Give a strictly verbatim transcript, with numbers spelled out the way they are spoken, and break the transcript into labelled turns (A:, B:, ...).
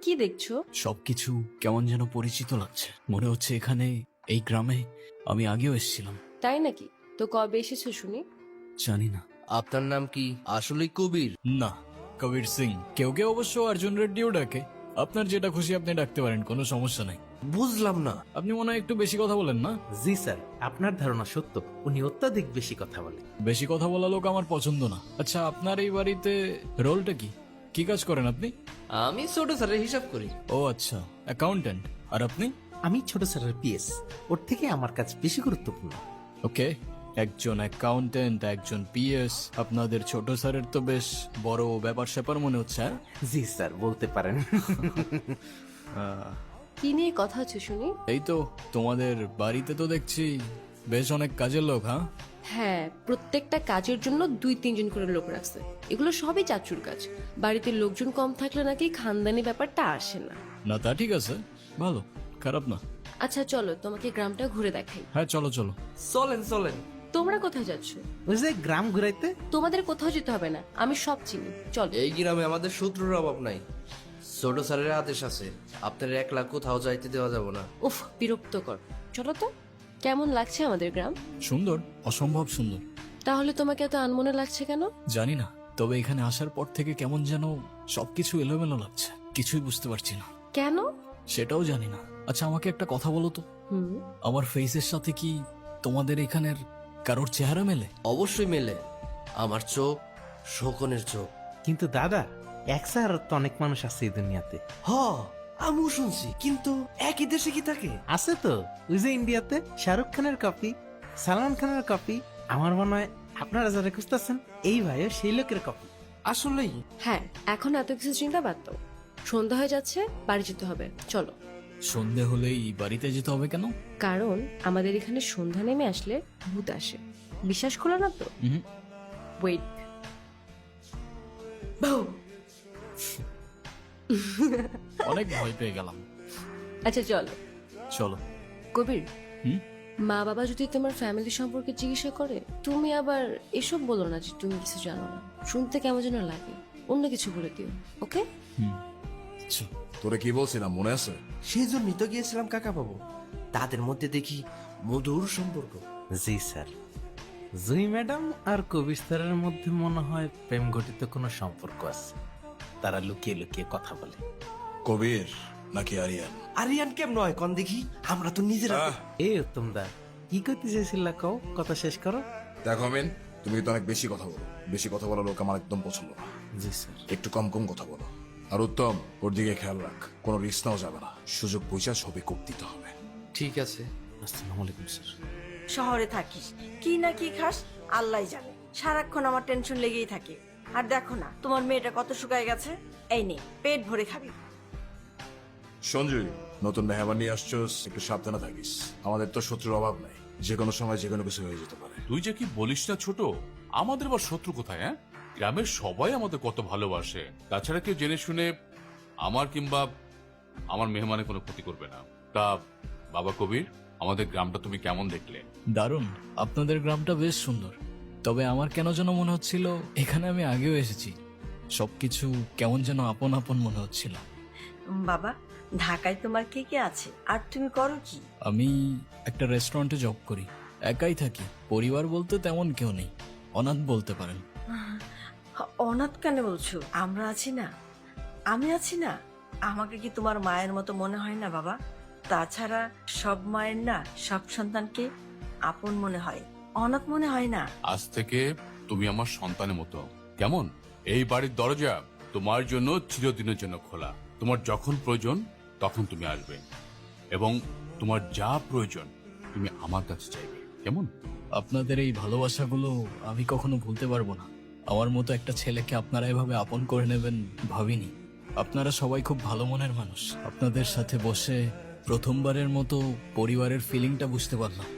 A: কি দেখছো?
B: সবকিছু কেমন যেন পরিচিত লাগছে। মনে হচ্ছে এখানে, এই গ্রামে আমি আগেও এসেছিলাম।
A: তাই নাকি? তো কবে এসেছো শুনি?
B: জানি না।
C: আপনার নাম কি আসলেই কবির?
B: না, কবির সিং। কেউ কেউ অবশ্য অর্জুন রেড্ডিও ডাকে। আপনার যেটা খুশি আপনি ডাকতে পারেন, কোনো সমস্যা নাই।
C: বুঝলাম না।
B: আপনি মনে হয় একটু বেশি কথা বলেন না?
D: জি স্যার, আপনার ধারণা সত্য, উনি অত্যাধিক বেশি কথা বলেন।
B: বেশি কথা বলা লোক আমার পছন্দ না। আচ্ছা, আপনার এই বাড়িতে রোলটা কি? কি কাজ করেন আপনি?
C: আমি ছোট স্যারের হিসাব করি।
B: ও আচ্ছা, অ্যাকাউন্টেন্ট। আর আপনি?
D: আমি ছোট স্যারের পিএস, ওর থেকে আমার কাজ বেশি গুরুত্বপূর্ণ।
B: ওকে, একজন অ্যাকাউন্টেন্ট, একজন পিএস। আপনাদের ছোট স্যারের তো বেশ বড় ব্যাপার স্যাপার মনে হচ্ছে। হ্যাঁ?
D: জি স্যার, বলতে পারেন।
A: কি নিয়ে কথা হচ্ছে শুনি?
B: এই তো, তোমাদের বাড়িতে তো দেখছি বেশ অনেক কাজের লোক। হ্যাঁ,
A: হ্যাঁ, প্রত্যেকটা কাজের জন্য দুই তিনজন করে লোক রাখছে। এগুলো সবই চাচুর কাজ। বাড়িতে লোকজন কম থাকলে নাকি খানদানি ব্যাপারটা আসে না।
B: না তা ঠিক আছে, ভালো, খারাপ না।
A: আচ্ছা চলো, তোমাকে গ্রামটা ঘুরে দেখাই।
B: হ্যাঁ চলো চলো।
C: চলেন চলেন।
A: তোমরা কোথায় যাচ্ছ?
D: ওই যে গ্রাম ঘুরাইতে।
A: তোমাদের কোথাও যেতে হবে না, আমি সব চিনি। চলো।
C: এই গ্রামে আমাদের শত্রুর অভাব নাই। ছোট স্যারের আদেশ আছে, আপনার একলা কোথাও যাইতে দেওয়া যাব না।
A: উফ, বিরক্তকর। চলো তো। কেমন লাগছে আমাদের গ্রাম?
B: সুন্দর, অসম্ভব সুন্দর।
A: তাহলে তোমাকে এত আনমনে লাগছে কেন?
B: জানি না, তবে এখানে আসার পর থেকে কেমন যেন সবকিছু এলোমেলো লাগছে। কিছুই বুঝতে পারছি না।
A: কেন?
B: সেটাও জানি না। আচ্ছা, আমাকে একটা কথা বলো তো,
A: হুম।
B: আমার ফেসের সাথে কি তোমাদের এখানের কারোর চেহারা মেলে?
C: অবশ্যই মেলে। আমার চোখ শোকনের চোখ।
D: কিন্তু দাদা, এক স্যার তো অনেক মানুষ আছে এই দুনিয়াতে।
C: হ, আমিও শুনছি, কিন্তু একই দেশে কি থাকে?
D: আছে তো, ওই যে ইন্ডিয়াতে শাহরুখ খানের কপি, সালমান খানের কপি। আমার মনে হয় আপনারা যারা খুঁজতেছেন, এই ভাইও সেই লোকের কপি।
C: আসলেই?
A: হ্যাঁ, এখন এত কিছু চিন্তা বাদ দাও। সন্ধ্যা হয়ে যাচ্ছে, বাড়ি যেতে হবে। চলো।
B: সন্ধে হলেই বাড়িতে যেতে হবে কেন?
A: কারণ আমাদের এখানে সন্ধ্যা নেমে আসলে ভূত আসে। বিশ্বাস করো না তো?
B: হুম,
A: ওয়েট।
B: অনেক ভয় পেয়ে গেলাম।
A: আচ্ছা চলো।
B: চলো।
A: কবির,
B: হুম?
A: মা বাবা যদি তোমার ফ্যামিলি সম্পর্কে জিজ্ঞাসা করে, তুমি আবার এসব বলো না যে তুমি কিছু জানো না। শুনতে কেমন যেন লাগে। অন্য কিছু বলে দিও, ওকে?
B: হুম, আচ্ছা।
E: তোরে কি বলছিলাম মনে আছে?
C: সেই জন্যই তো গিয়েছিলাম কাকা বাবু। তাদের মধ্যে দেখি মধুর সম্পর্ক।
D: জি স্যার, জুই ম্যাডাম আর কবির স্যারের মধ্যে মনে হয় প্রেম ঘটিত কোনো সম্পর্ক আছে। তারা লুকিয়ে লুকিয়ে কথা বলে।
E: কবির নাকি আরিয়ান?
C: আরিয়ান কেম নয় কন দেখি, আমরা তো নিজেরা।
E: আহ,
D: এই উত্তম দা, কি করতে চাইছিল কও, কথা শেষ করো।
E: দেখো মিন, তুমি তো অনেক বেশি কথা বলো। বেশি কথা বলা লোক আমার একদম পছন্দ না।
D: জি স্যার।
E: একটু কম কম কথা বলো। আর উত্তম, ওর দিকে খেয়াল রাখ। কোনো রিস্ক নাও যাবে না। সুযোগ পয়সা সবই কোপ দিতে হবে।
C: ঠিক আছে।
D: আসসালামু আলাইকুম স্যার।
F: শহরে থাকিস, কি না কি খাস আল্লাহ জানে। সারাক্ষণ আমার টেনশন লেগেই থাকে। আর দেখো না তোমার মেয়েটা কত শুকায় গেছে। এই নে, পেট ভরে খাবি।
E: সঞ্জয়, নতুন মেহমান নিয়ে আসছোস, একটু সাবধানে থাকিস। আমাদের তো শত্রুর অভাব নাই। যে কোনো সময় যে কোনো কিছু হয়ে যেতে পারে।
G: তুই যে কি বলিস না ছোট, আমাদের আবার শত্রু কোথায়? হ্যাঁ, গ্রামের সবাই আমাদের কত ভালোবাসে। তাছাড়া কেউ জেনে শুনে আমার কিংবা আমার মেহমানের কোনো ক্ষতি করবে না। তা বাবা কবির, আমাদের গ্রামটা তুমি কেমন দেখলে?
B: দারুণ, আপনাদের গ্রামটা বেশ সুন্দর। তবে আমার কেন যেন মনে হচ্ছিল এখানে আমি আগেও এসেছি। সবকিছু কেমন যেন আপন আপন মনে হচ্ছিল।
F: বাবা, ঢাকায় তোমার কে কে আছে আর তুমি করো কি?
B: আমি একটা রেস্টুরেন্টে জব করি, একাই থাকি। পরিবার বলতে তেমন কেউ নেই, অনাথ বলতে পারেন।
F: অনাথ কেন বলছো? আমরা আছি না, আমি আছি না। আমাকে কি তোমার মায়ের মতো মনে হয় না বাবা? তাছাড়া সব মায়ের না সব সন্তানকে আপন মনে হয়, অনাথ মনে হয় না।
G: আজ থেকে তুমি আমার সন্তানের মতো, কেমন? এই বাড়ির দরজা তোমার জন্য চিরদিনের জন্য খোলা। তোমার যখন প্রয়োজন তখন তুমি আসবে, এবং তোমার যা প্রয়োজন তুমি আমার কাছে চাইবে, কেমন?
B: আপনাদের এই ভালোবাসাগুলো আমি কখনো ভুলতে পারবো না। আমার মতো একটা ছেলেকে আপনারা এভাবে আপন করে নেবেন ভাবিনি। আপনারা সবাই খুব ভালো মনের মানুষ। আপনাদের সাথে বসে প্রথমবারের মতো পরিবারের ফিলিংটা বুঝতে পারলাম।